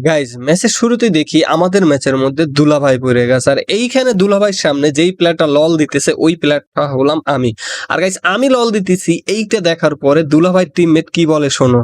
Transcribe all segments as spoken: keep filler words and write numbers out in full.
Guys ম্যাচের শুরুতেই দেখি আমাদের ম্যাচের মধ্যে দুলাভাই পড়ে গেছে, আর এইখানে দুলাভাইয়ের সামনে যেই প্লেয়ারটা লল দিতেছে ওই প্লেয়ারটা হলাম আমি। আর গাইজ আমি লল দিতেছি, এইটা দেখার পরে দুলাভাই টিমমেট কি বলে শোনো।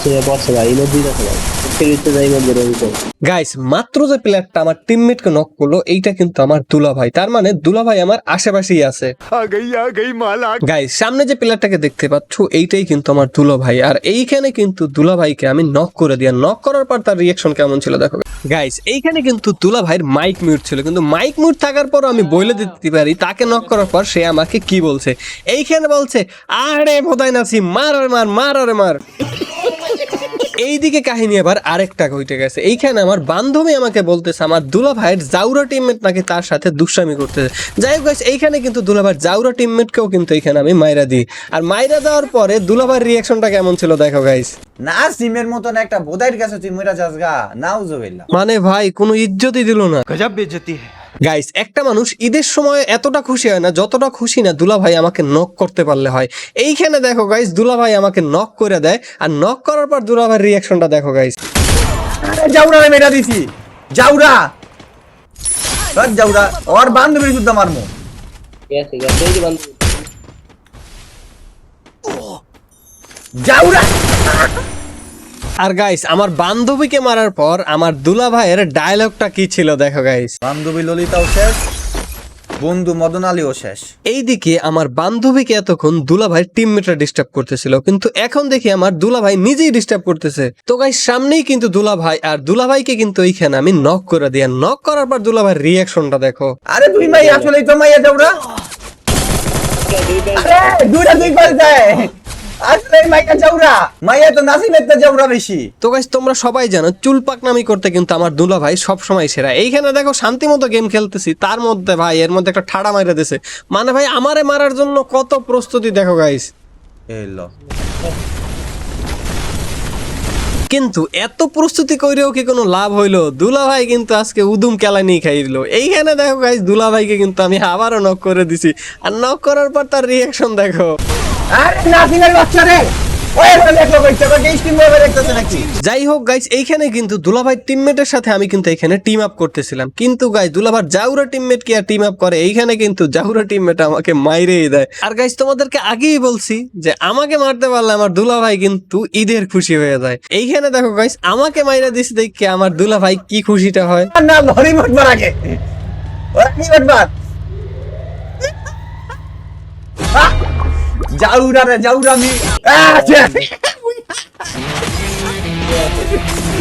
গাইস মাত্র যে প্লেয়ারটা আমার টিমমেটকে নক করলো এইটা কিন্তু আমার দুলাভাই, তার মানে দুলাভাই আমার আশেপাশেই আছে। গাইস সামনে যে প্লেয়ারটাকে দেখতে পাচ্ছ এইটাই কিন্তু আমার দুলাভাই, আর এইখানে কিন্তু দুলাভাইকে আমি নক করে দিই। নক করার পর তার রিয়াকশন কেমন ছিল দেখো গাইস। এইখানে কিন্তু দুলাভাইয়ের মাইক মিউট ছিল, কিন্তু মাইক মিউট থাকার পর আমি বলে দিতে পারি তাকে নক করার পর সে আমাকে কি বলছে। এইখানে বলছে আরে ভোদাই নাসি মার আর মার মার আর মার। এইদিকে কাহিনী আবার আরেকটা ঘটে গেছে। এইখানে আমার বান্ধবী আমাকে বলতেছে আমার দুলাভাইয়ের জাউরা টিমমেট নাকি তার সাথে দুষ্টামি করতেছে। যাই হোক গাইস এইখানে কিন্তু দুলাভাইয়ের জাউরা টিমমেটকেও কিন্তু এইখানে আমি মাইরা দিই, আর মাইরা দেওয়ার পরে দুলাভাইয়ের রিয়াকশনটা কেমন ছিল দেখো গাইস। না সিমের মতন একটা বোধাইয়ের কাছে তুই মইরা যাস গা, নাউজুবিল্লাহ। মানে ভাই কোনো ইজ্জতই দিল না। গজব বেইজ্জতি গাইস একটা মানুষ ঈদের সময় এতটা খুশি হয় না যতটা খুশি না দুলাভাই আমাকে নক করতে পারলে হয়। এইখানে দেখো গাইস দুলাভাই আমাকে নক করে দেয়, আর নক করার পর দুলাভাইয়ের রিয়াকশনটা দেখো গাইস। আরে জাউরা মেরা দিছি, জাউরা বাদ জাউরা ওর বান্ধবীর যুদ্ধ মারমু। গেছে গেছে এই যে বান্ধব জাউরা। আর গাইস আমার বান্ধবীকে মারার পর আমার দুলাভাইয়ের ডায়লগটা কি ছিল দেখো গাইস। বান্ধবী ললিতাও শেষ, বন্ধু মদন আলীও শেষ। এইদিকে আমার বান্ধবীকে এতক্ষণ দুলাভাই টিমমেটরা ডিস্টার্ব করতেছিল, কিন্তু এখন দেখি আমার দুলাভাই নিজেই ডিস্টার্ব করতেছে। তো গাইস সামনেই কিন্তু দুলাভাই, আর দুলাভাইকে কিন্তু এইখানে আমি নক করে দিই। নক করার পর দুলাভাইয়ের রিয়াকশনটা দেখো। আরে তুই মাই আসলেই তো মাইয়া জাউরা। আরে দুইটা দুই পাশ যায়, আসলে মাইয়া জাউরা, মাইয়া তো নাসিমের তো জাউরা বেশি। তো গাইস তোমরা সবাই জানো চুল পাকনামি করতে কিন্তু আমার দুলাভাই সব সময় সেরা। এইখানে দেখো শান্তি মতো গেম খেলতেছি, তার মধ্যে ভাই এর মধ্যে একটা ঠাড়া মাইরা দিছে। মানে ভাই আমারে মারার জন্য কত প্রস্তুতি দেখো গাইস। এলো কিন্তু এত প্রস্তুতি করেও কি কোনো লাভ হইলো? দুলাভাই কিন্তু আজকে উদুম কেলা নিয়ে খাই দিল। এইখানে দেখো গাইস দুলাভাইকে কিন্তু আমি আবারও নক করে দিছি, আর নক করার পর তার রিয়াকশন দেখো। আরে নাসিমের বাচ্চা রে, ওই এখানে দেখো কইছে কই স্টিম মোবাইল দেখতেছ নাকি। যাই হোক গাইস এইখানে কিন্তু দুলাভাই টিমমেটের সাথে আমি কিন্তু এখানে টিম আপ করতেছিলাম, কিন্তু গাইস দুলাভাই জাউরা টিমমেট কি আর টিম আপ করে? এইখানে কিন্তু জাউরা টিমমেট আমাকে মাইরেই দেয়। আর গাইস তোমাদেরকে আগেই বলছি যে আমাকে মারতে পারলে আমার দুলাভাই কিন্তু ঈদের খুশি হয়ে যায়। এইখানে দেখো গাইস আমাকে মাইরা দিছে দেখে আমার দুলাভাই কি খুশিটা হয়। না লরি মটবার আগে ওরা কি মটবার জাউরা রে জাউরা মি